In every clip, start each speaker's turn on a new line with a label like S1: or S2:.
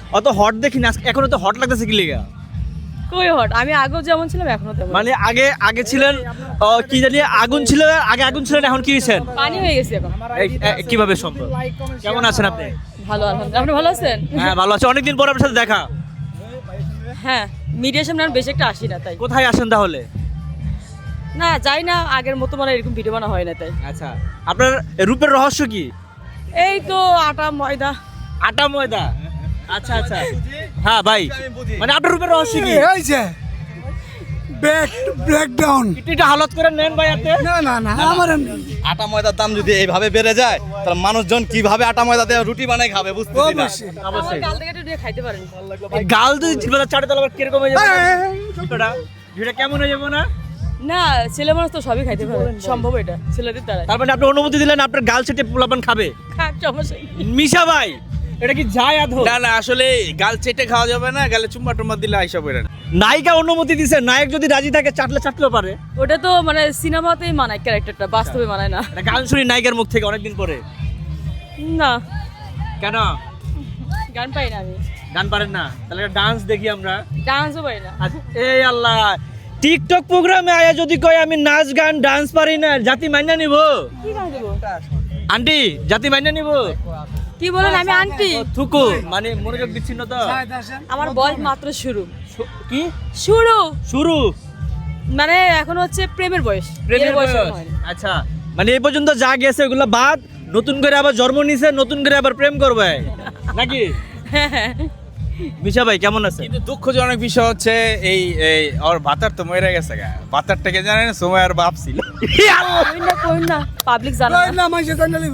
S1: অত হট দেখিনি, এখন তো হট লাগতেছে কি লেগা?
S2: কই হট, আমি আগেও যেমন ছিলাম এখনো তেমন।
S1: মানে আগে ছিলেন কি জানি আগুন ছিল, আগে আগুন ছিলেন, এখন কি হয়েছেন?
S2: পানি হয়ে গেছে এখন।
S1: কিভাবে সম্ভব? কেমন আছেন আপনি?
S2: ভালো আলহামদুলিল্লাহ, আপনি ভালো আছেন?
S1: হ্যাঁ ভালো আছে, অনেকদিন পর আপনার সাথে দেখা।
S2: হ্যাঁ, মিডিয়ার সামনে আমি বেশি একটা আসি না তাই।
S1: কোথায় আসেন তাহলে?
S2: না যাই না, আগের মতো মানে এরকম ভিডিও বানা হয় না তাই।
S1: আচ্ছা, আপনার রূপের রহস্য কি?
S2: এই তো আটা ময়দা।
S1: আটা ময়দা? আচ্ছা আচ্ছা, হ্যাঁ ভাই, মানে আপনার রূপের রহস্য কি?
S3: এই যে ব্রেকডাউন।
S1: একটু হালত করে নেন ভাই আপনি।
S3: না না না, আমার এমনি।
S4: আটা ময়দার দাম যদি এইভাবে বেড়ে যায় তাহলে মানুষজন কিভাবে আটা ময়দা দিয়ে রুটি বানায় খাবে বুঝতেছি না।
S3: অবশ্যই।
S2: আমার গাল থেকে একটু দিয়ে খাইতে পারেন।
S1: এই গাল দুই চাটে তাহলে আবার কিরকম হয়ে যাবে? ভিডিওটা কেমন হয়ে যাবে না?
S2: না, ছেলে মানুষ তো সবই খাইতে পারে, সম্ভব এটা ছেলেদের দ্বারা।
S1: তার মানে আপনি অনুমতি দিলেন আপনার গাল চেটে পোলাপান খাবে?
S2: খাক, সমস্যা নেই।
S1: মিশা ভাই, এটা কি যায় আধো?
S5: না না, আসলে গাল চেটে খাওয়া যাবে না, গালে চুম্মা টুম্মা দিলে আইসা পড়ে না।
S1: নায়িকা অনুমতি দিছে, নায়ক যদি রাজি থাকে চাটলেও পারে।
S2: ওটা তো মানে সিনেমাতেই মানায় ক্যারেক্টারটা, বাস্তবে মানায় না।
S1: এটা গান শুনি নায়িকার মুখ থেকে অনেকদিন পরে।
S2: না,
S1: কেন
S2: গান পাই না আমি,
S1: গান পারেন না? তাহলে ডান্স দেখি আমরা।
S2: ডান্সও পাই না।
S1: আচ্ছা, এই আল্লাহ, টিকটক প্রোগ্রামে আয়া যদি কয় আমি নাচ গান ডান্স পারি না, জাতি মাইনা নিব?
S2: কি গান দেবো?
S1: আন্টি, জাতি মাইনা নিব?
S2: কি বলেন, আমি আন্টি?
S1: থুকু মানে মনোযোগ বিচ্ছিন্ন তো।
S2: আমার বয়স মাত্র শুরু।
S1: কি
S2: শুরু
S1: শুরু?
S2: মানে এখন হচ্ছে প্রেমের বয়স,
S1: প্রেমের
S2: বিয়ের বয়স
S1: বয়স?
S2: এখনো হয়নি।
S1: আচ্ছা, মানে এই পর্যন্ত যা গেছে ওগুলো বাদ, নতুন করে আবার জন্ম নিছে, নতুন করে আবার প্রেম করবে নাকি? মিশা ভাই কেমন আছে?
S5: কিন্তু দুঃখজনক বিষয় হচ্ছে এই এই ওর ভাতার তো মরে গেছে গা। ভাতারটাকে জানেন সময়ের বাপ ছিল।
S2: কইন না, পাবলিক জানে
S3: কই
S2: না।
S3: না, মাইসে জানা লিব।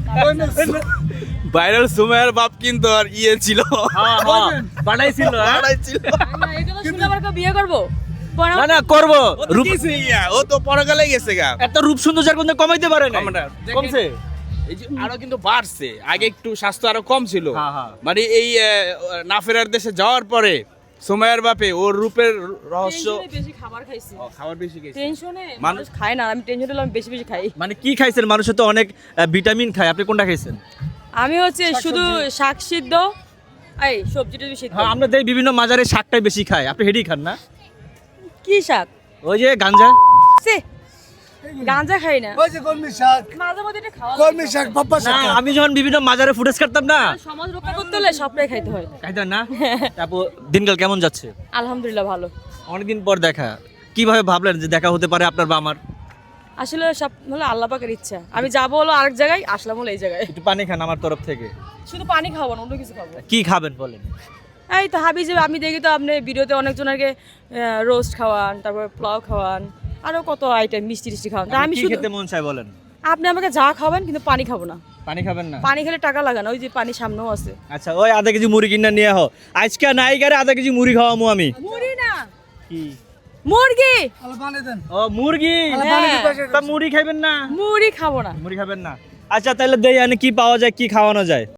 S5: বাইরের সময়ের বাপ কিন্তু আর ইয়ে ছিল,
S1: বাড়াইছিল।
S5: ভাড়াই ছিল।
S2: না, এগুলো শুনে আবার কেউ বিয়ে করবো?
S1: না না করবো,
S5: ও তো কিছুই না, ও তো পরকালে গেছে গা।
S1: এত রূপ সৌন্দর্যের কোনো কমাইতে পারে না,
S5: কমাটা, দেখেন।
S1: কমছে।
S5: এই যে আরো কিন্তু বাড়ছে, আগে একটু স্বাস্থ্য আরো কম ছিল।
S1: হ্যাঁ, হ্যাঁ।
S5: মানে এই না ফেরার দেশে যাওয়ার পরে সময়ের বাপে ওর রূপের রহস্য
S2: টেনশনে বেশি খাবার খাইছি।
S5: খাবার বেশি গেছে।
S2: টেনশনে
S5: মানুষ-
S2: মানুষ খায় না, আমি টেনশনে হলে আমি বেশি বেশি খাই।
S1: মানে কি খাইছেন? মানুষের তো অনেক ভিটামিন খায়, আপনি কোনটা খাইছেন?
S2: আমি হচ্ছে শুধু শাক সিদ্ধ, এই সবজিটা বেশি সিদ্ধ।
S1: হ্যাঁ, আমরা দেই বিভিন্ন মাজারে শাকটাই বেশি খাই, আপনি হেডি খান না?
S2: কি শাক?
S1: ওই যে গাঞ্জা।
S2: সে গাঁজা খাই না,
S3: ওই যে কলমি শাক,
S2: মাঝে মধ্যে এটা খাওয়া
S3: কলমি শাক, পাপ্পা
S1: না,
S3: শাক।
S1: আমি যখন বিভিন্ন মাজারে ফুটেজ কাটতাম না,
S2: লাগে। সমাজ রক্ষা করতে হলে সবটাই খাইতে হয়।
S1: খাইতেন না? তারপর দিনকাল কেমন যাচ্ছে?
S2: আলহামদুলিল্লাহ ভালো।
S1: অনেকদিন পর দেখা, কিভাবে ভাবলেন যে দেখা হতে পারে আপনার বা আমার?
S2: আসলে সব হলো আল্লাহ পাকের ইচ্ছা। আমি যাবো হলো আরেক জায়গায়, আসলাম হলো এই জায়গায়।
S1: একটু পানি খান আমার তরফ থেকে।
S2: শুধু পানি খাবো না, অন্য কিছু খাবো।
S1: কি খাবেন বলেন?
S2: এই তো হাবি যে আমি দেখি তো আপনি ভিডিওতে অনেকজনকে রোস্ট খাওয়ান, তারপর পোলাও খাওয়ান, আরো কত আইটেম মিষ্টি টিষ্টি খাওয়ান। তা আমি
S1: কি
S2: শুধু,
S1: খেতে মন চায় বলেন?
S2: আপনি আমাকে যা খাবেন কিন্তু পানি খাবো না।
S1: পানি খাবেন না?
S2: পানি খেলে টাকা লাগে না, ওই যে পানি সামনেও আছে।
S1: আচ্ছা, ওই আধা কেজি মুড়ি কিনা নিয়ে হো, আজকে নাইকারে আধা কেজি মুড়ি খাওয়ামু আমি।
S2: মুড়ি না,
S1: কি?
S2: মুরগি।
S3: আলো বানিয়ে দেন।
S1: ও মুরগি?
S2: হ্যাঁ।
S1: তা মুড়ি খাইবেন না?
S2: মুড়ি খাবো না।
S1: মুড়ি খাবেন না? আচ্ছা তাহলে দেই, কি পাওয়া যায়, কি খাওয়ানো যায়?